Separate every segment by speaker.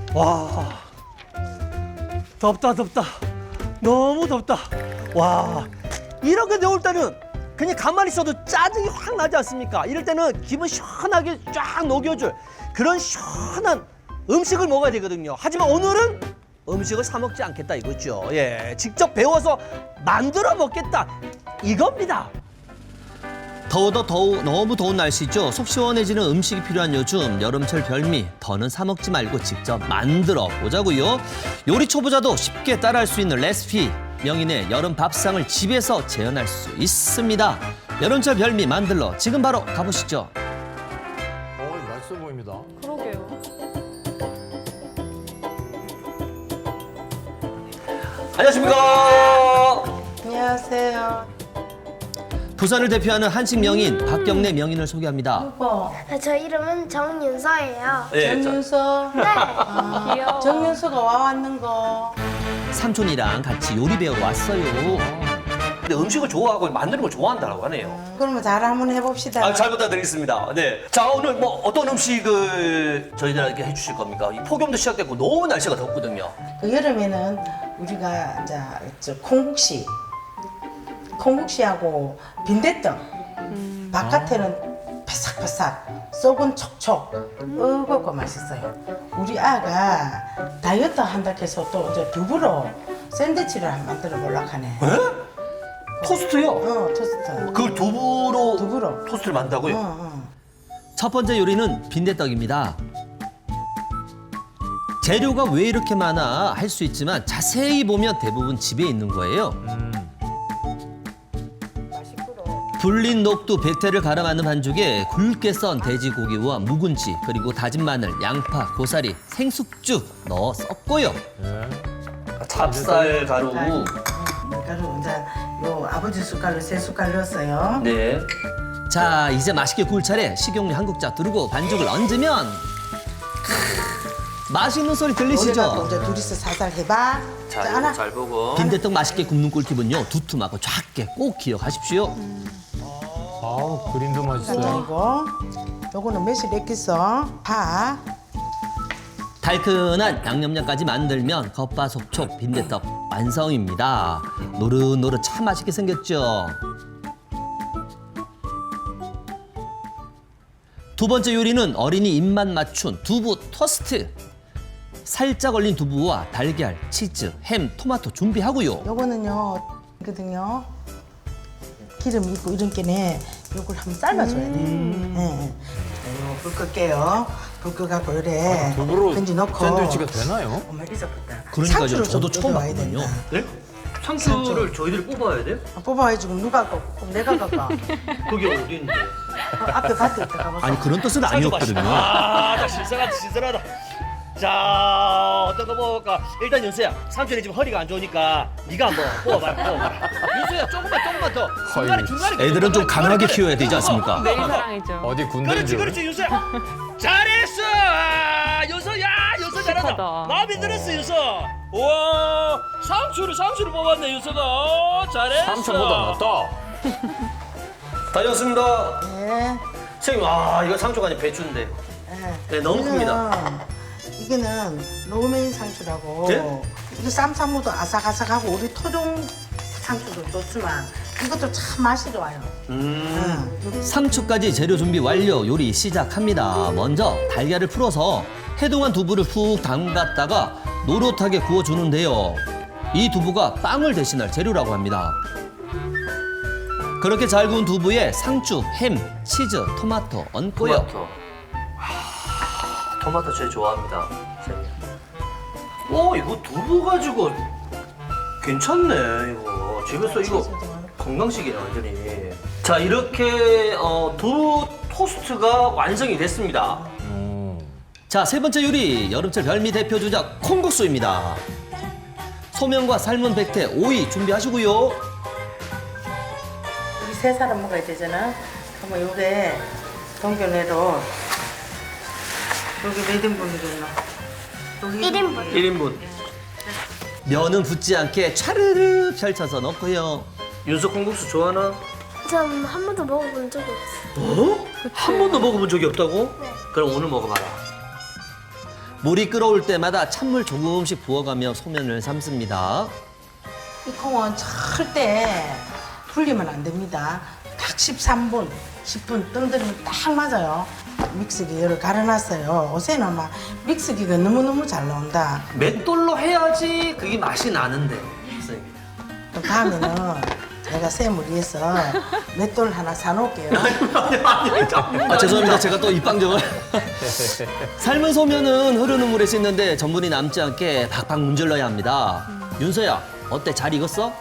Speaker 1: 와, 덥다. 너무 덥다. 와, 이렇게 더울 때는 그냥 가만히 있어도 짜증이 확 나지 않습니까? 이럴 때는 기분 시원하게 쫙 녹여줄 그런 시원한 음식을 먹어야 되거든요. 하지만 오늘은 음식을 사 먹지 않겠다 이거죠. 예, 직접 배워서 만들어 먹겠다 이겁니다.
Speaker 2: 더워도 너무 더운 날씨죠. 속 시원해지는 음식이 필요한 요즘 여름철 별미 더는 사 먹지 말고 직접 만들어 보자고요. 요리 초보자도 쉽게 따라할 수 있는 레시피 명인의 여름 밥상을 집에서 재현할 수 있습니다. 여름철 별미 만들러 지금 바로 가보시죠.
Speaker 3: 맛있어 보입니다.
Speaker 4: 그러게요.
Speaker 1: 안녕하십니까.
Speaker 5: 안녕하세요.
Speaker 2: 부산을 대표하는 한식 명인 박경래 명인을 소개합니다.
Speaker 5: 여보,
Speaker 6: 저 이름은 정윤서예요.
Speaker 1: 예,
Speaker 5: 정윤서.
Speaker 6: 네.
Speaker 4: 귀여워.
Speaker 5: 정윤서가 와왔는 거.
Speaker 2: 삼촌이랑 같이 요리 배우러 왔어요.
Speaker 1: 근데 음식을 좋아하고 만드는 걸 좋아한다고 하네요.
Speaker 5: 그러면 잘 한번 해봅시다.
Speaker 1: 아, 잘 부탁드리겠습니다. 네. 자, 오늘 뭐 어떤 음식을 저희들에게 해주실 겁니까? 이 폭염도 시작됐고 너무 날씨가 덥거든요.
Speaker 5: 그 여름에는 우리가 이제 저 콩국시하고 빈대떡. 바깥에는 바삭바삭, 속은 촉촉, 으겁고 맛있어요. 우리 아가 다이어트 한다 해서 또 이제 두부로 샌드위치를 한번 만들어 보려고 하네.
Speaker 1: 토스트요?
Speaker 5: 토스트.
Speaker 1: 그걸 두부로
Speaker 5: 두부로.
Speaker 1: 토스트를 만든다고요?
Speaker 5: 어.
Speaker 2: 첫 번째 요리는 빈대떡입니다. 재료가 왜 이렇게 많아 할 수 있지만 자세히 보면 대부분 집에 있는 거예요. 불린 녹두, 백태를 갈아 만든 반죽에 굵게 썬 돼지고기와 묵은지, 그리고 다진 마늘, 양파, 고사리, 생숙주 넣어 섞고요.
Speaker 1: 찹쌀 가루.
Speaker 5: 밀가루 이제 요 아버지 숟갈로 3숟갈 넣었어요.
Speaker 1: 네.
Speaker 2: 자, 이제 맛있게 구울 차례 식용유 한 국자 두르고 반죽을 얹으면 맛있는 소리
Speaker 5: 오래 갖고
Speaker 2: 들리시죠?
Speaker 5: 이제 둘이서 살살 해봐.
Speaker 1: 자,
Speaker 5: 자, 하나.
Speaker 1: 이거 잘 보고.
Speaker 2: 빈대떡 맛있게 굽는 꿀팁은요, 두툼하고 작게 꼭 기억하십시오.
Speaker 3: 아우, 그림도 맛있어요.
Speaker 5: 그리고 요거는 매실 액기서 파.
Speaker 2: 달큰한 양념장까지 만들면 겉바속촉 빈대떡 완성입니다. 노릇노릇 참 맛있게 생겼죠? 두 번째 요리는 어린이 입맛 맞춘 두부 토스트. 살짝 얼린 두부와 달걀, 치즈, 햄, 토마토 준비하고요.
Speaker 5: 요거는요, 이거든요. 기름 있고 이런 게네. 요걸 한번 삶아줘야 돼. 예. 요불 끌게요. 불 끄갖고 요래.
Speaker 3: 두부로
Speaker 5: 던지 넣고.
Speaker 3: 샌드위치가 되나요?
Speaker 5: 어머, 잊어봤다.
Speaker 2: 그러니까요,
Speaker 5: 상추를
Speaker 2: 저도
Speaker 5: 좀
Speaker 2: 처음
Speaker 5: 넣어야
Speaker 2: 봤거든요.
Speaker 5: 된다.
Speaker 1: 네? 상추를 저희들이 뽑아야 돼요?
Speaker 5: 뽑아야지. 그럼 누가 깎고, 그럼 내가 깎아.
Speaker 1: 그게 어디 있는데?
Speaker 5: 앞에 밭에 있다 가보자.
Speaker 2: 아니, 그런 뜻은 아니었거든요.
Speaker 1: 아, 나 신선하다. 자, 어떤 거 먹을까? 일단 윤수야, 삼촌이 지금 허리가 안 좋으니까 네가 한번 뽑아봐라. 윤수야, 조금만 더. 중간에.
Speaker 2: 애들은 좀 강하게 키워야 되지 않습니까?
Speaker 4: 매일 사랑이죠.
Speaker 3: 어디 군대인 줄.
Speaker 1: 그렇지, 윤수야. 잘했어. 윤서야, 윤서 잘한다.
Speaker 4: 착하다.
Speaker 1: 마음에 들었어, 윤서. 우와, 상추를 뽑았네, 윤서가. 잘했어.
Speaker 3: 삼촌보다 낫다.
Speaker 1: 다녀왔습니다.
Speaker 5: 네.
Speaker 1: 선생님, 이거 상추가 아니라 배추인데. 네, 너무 큽니다.
Speaker 5: 이거는 로메인 상추라고.
Speaker 1: 네?
Speaker 5: 이거 쌈싸무도 아삭아삭하고 우리 토종 상추도 좋지만 이것도 참 맛이 좋아요.
Speaker 2: 상추까지 재료 준비 완료. 요리 시작합니다. 먼저 달걀을 풀어서 해동한 두부를 푹 담갔다가 노릇하게 구워주는데요. 이 두부가 빵을 대신할 재료라고 합니다. 그렇게 잘 구운 두부에 상추, 햄, 치즈, 토마토 얹고요.
Speaker 1: 토마토 제일 좋아합니다. 선생님. 오, 이거 두부 가지고 괜찮네, 이거. 집에서 이거 건강식이네, 완전히. 자, 이렇게 두부 토스트가 완성이 됐습니다.
Speaker 2: 자, 세 번째 요리. 여름철 별미 대표 주작 콩국수입니다. 소면과 삶은 백태, 오이 준비하시고요.
Speaker 5: 우리 3사람 먹어야 되잖아. 그러면 요게 동결내로 여기 몇 인분이겠노?
Speaker 6: 1인분.
Speaker 1: 1인분.
Speaker 2: 면은 붙지 않게 차르르 펼쳐서 넣고요.
Speaker 1: 윤서 콩국수 좋아하나?
Speaker 6: 전 한 번도 먹어본 적이 없어요.
Speaker 1: 한 번도 먹어본 적이 없다고?
Speaker 6: 네.
Speaker 1: 그럼 오늘 먹어봐라.
Speaker 2: 물이 끓어올 때마다 찬물 조금씩 부어가며 소면을 삶습니다.
Speaker 5: 이 콩은 절대 불리면 안 됩니다. 딱 13분, 10분 뜸들이면 딱 맞아요. 믹서기 열을 갈아놨어요. 요새는 막 믹서기가 너무너무 잘 나온다.
Speaker 2: 맷돌로 해야지 그게 맛이 나는데. 선생님.
Speaker 5: 또 다음에는 제가 쌤을 위해서 맷돌 하나 사놓을게요.
Speaker 2: 아, 죄송합니다. 제가 또 입방정을. 삶은 소면은 흐르는 물에 씻는데 전분이 남지 않게 박박 문질러야 합니다. 윤서야, 어때? 잘 익었어?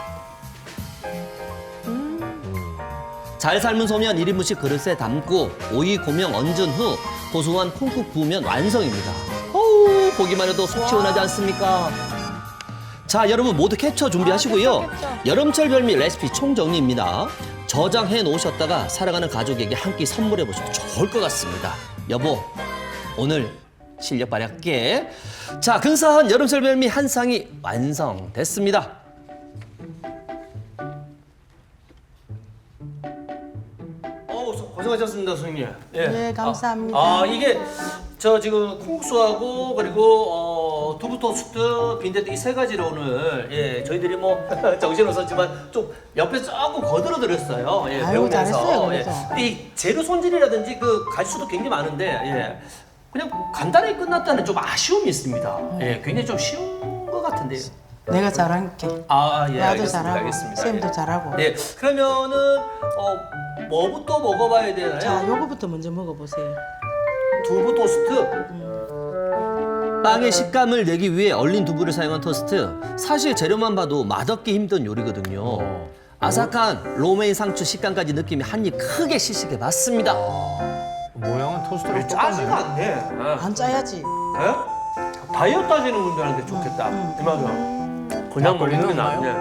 Speaker 2: 잘 삶은 소면 1인분씩 그릇에 담고 오이 고명 얹은 후 고소한 콩국 부으면 완성입니다. 어우, 보기만 해도 속 시원하지 않습니까? 자, 여러분 모두 캡처 준비하시고요. 여름철 별미 레시피 총정리입니다. 저장해 놓으셨다가 사랑하는 가족에게 한 끼 선물해 보셔도 좋을 것 같습니다. 여보, 오늘 실력 발휘할게. 자, 근사한 여름철 별미 한 상이 완성됐습니다. 고생하셨습니다, 선생님.
Speaker 5: 네, 감사합니다.
Speaker 1: 이게 저 지금 콩국수하고 그리고 두부 토스트, 빈대떡 이 세 가지를 오늘 저희들이 뭐 정신 없었지만 좀 옆에 조금 거들어 드렸어요.
Speaker 5: 아유,
Speaker 1: 배우면서.
Speaker 5: 잘했어요, 그래서.
Speaker 1: 이 재료 손질이라든지 그 가지수도 굉장히 많은데 그냥 간단하게 끝났다는 좀 아쉬움이 있습니다. 굉장히 좀 쉬운 것 같은데요.
Speaker 5: 내가 잘할게.
Speaker 1: 나도
Speaker 5: 나도 잘하고,
Speaker 1: 알겠습니다.
Speaker 5: 쌤도 잘하고.
Speaker 1: 네, 그러면은 뭐부터 먹어봐야 되나요?
Speaker 5: 자, 요거부터 먼저 먹어보세요.
Speaker 1: 두부 토스트.
Speaker 2: 빵의 식감을 내기 위해 얼린 두부를 사용한 토스트. 사실 재료만 봐도 맛없기 힘든 요리거든요. 아삭한 로메인 상추 식감까지 느낌이 한 입 크게 시식해 봤습니다.
Speaker 3: 모양은 토스트랑
Speaker 1: 짜지가
Speaker 3: 똑같네.
Speaker 1: 않네.
Speaker 5: 안 짜야지.
Speaker 1: 다이어트 하시는 분들한테 좋겠다. 이 맛은. 그냥 먹는 게
Speaker 3: 막걸리는
Speaker 1: 낫네.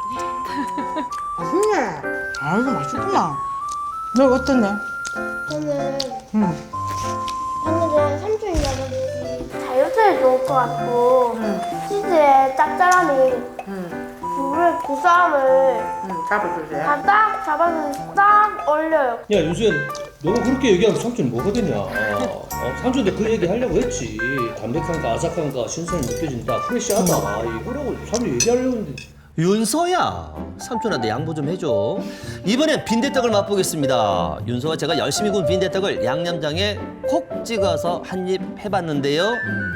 Speaker 5: 맛있네. 아이고, 맛있구나. 너 어떠네?
Speaker 6: 저는
Speaker 5: 응.
Speaker 6: 오늘은 삼촌이 아버지 다이어트에 좋을 것 같고 치즈의 짭짤함이 두부의 고소함을
Speaker 5: 잡아주세요.
Speaker 6: 딱 잡아서 딱 어울려요.
Speaker 1: 야, 윤수야, 너가 그렇게 얘기하면 삼촌이 뭐거든요. 삼촌도 그 얘기 하려고 했지. 담백한가, 아삭한가, 신선이 느껴진다, 프레시하다. 이거라고 삼촌 얘기하려고 했는데.
Speaker 2: 윤서야, 삼촌한테 양보 좀 해줘. 이번엔 빈대떡을 맛보겠습니다. 윤서와 제가 열심히 구운 빈대떡을 양념장에 콕 찍어서 한 입 해봤는데요.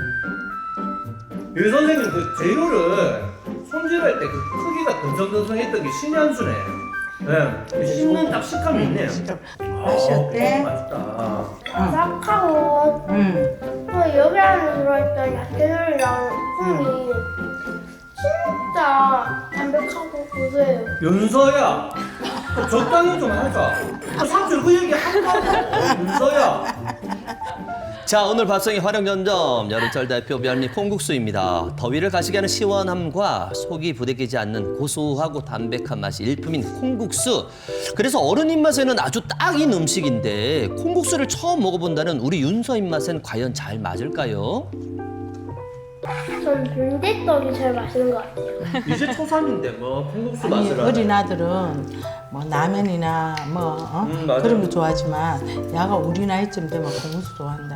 Speaker 1: 유 선생님 그 재료를 손질할 때 그 크기가 근성근성했던 게 신의 한 수네. 씹는 딱 식감이 있네요.
Speaker 5: 맛이 어때?
Speaker 1: 맛있다.
Speaker 6: 아삭하고 또 여기 안에 들어있던 야채들이랑 콩이 진짜 담백하고 고소해요.
Speaker 1: 윤서야, 적당히 좀 하자. 삼촌 그 얘기 한다고. 윤서야.
Speaker 2: 자, 오늘 밥상의 활용점점 여름철 대표 별미 콩국수입니다. 더위를 가시게 하는 시원함과 속이 부대끼지 않는 고소하고 담백한 맛이 일품인 콩국수. 그래서 어른 입맛에는 아주 딱인 음식인데 콩국수를 처음 먹어본다는 우리 윤서 입맛엔 과연 잘 맞을까요?
Speaker 6: 전 빈대떡이 제일 맛있는 것 같아요.
Speaker 1: 이제 초3인데 뭐 콩국수
Speaker 5: 아니,
Speaker 1: 맛을 하네.
Speaker 5: 어린 아들은 뭐 라면이나 뭐
Speaker 1: 맞아요.
Speaker 5: 그런 거 좋아하지만 야가 우리 나이쯤 되면 콩국수 좋아한다.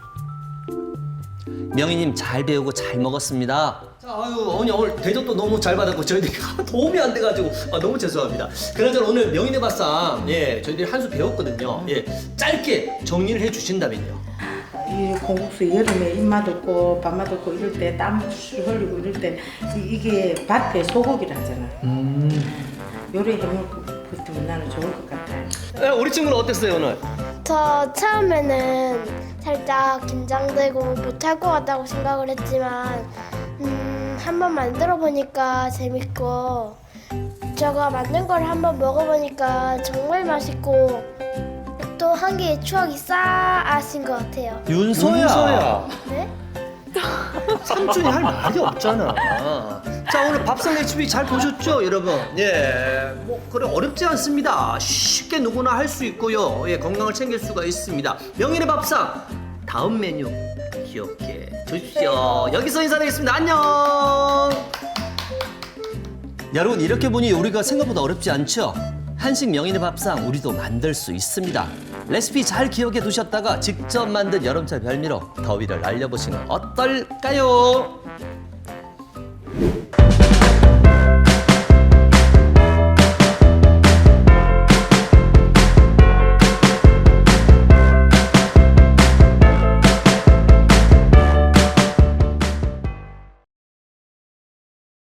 Speaker 2: 명희님 잘 배우고 잘 먹었습니다. 자, 어머니 오늘 대접도 너무 잘 받았고 저희들이 도움이 안 돼가지고 너무 죄송합니다. 그나저나 오늘 명희네 밥상 저희들이 한 수 배웠거든요. 짧게 정리를 해주신다면요.
Speaker 5: 이 콩국수 여름에 입맛 없고 밥맛 없고 이럴 때 땀 술 흘리고 이럴 때 이게 밭에 소고기라잖아. 요리 해먹으면 나는 좋을 것 같아.
Speaker 2: 우리 친구는 어땠어요 오늘?
Speaker 6: 저 처음에는 살짝 긴장되고 못할 것 같다고 생각을 했지만 한번 만들어 보니까 재밌고 제가 만든 걸 한번 먹어보니까 정말 맛있고 또 한 개의 추억이 쌓아진 것 같아요.
Speaker 2: 윤서야.
Speaker 6: 네?
Speaker 2: 삼촌이 할 말이 없잖아. 자, 오늘 밥상 레시피 잘 보셨죠, 여러분? 뭐 그래 어렵지 않습니다. 쉽게 누구나 할 수 있고요. 건강을 챙길 수가 있습니다. 명인의 밥상 다음 메뉴 기억해 주십시오. 여기서 인사드리겠습니다. 안녕. 여러분 이렇게 보니 요리가 생각보다 어렵지 않죠? 한식 명인의 밥상 우리도 만들 수 있습니다. 레시피 잘 기억해 두셨다가 직접 만든 여름철 별미로 더위를 날려보시면 어떨까요?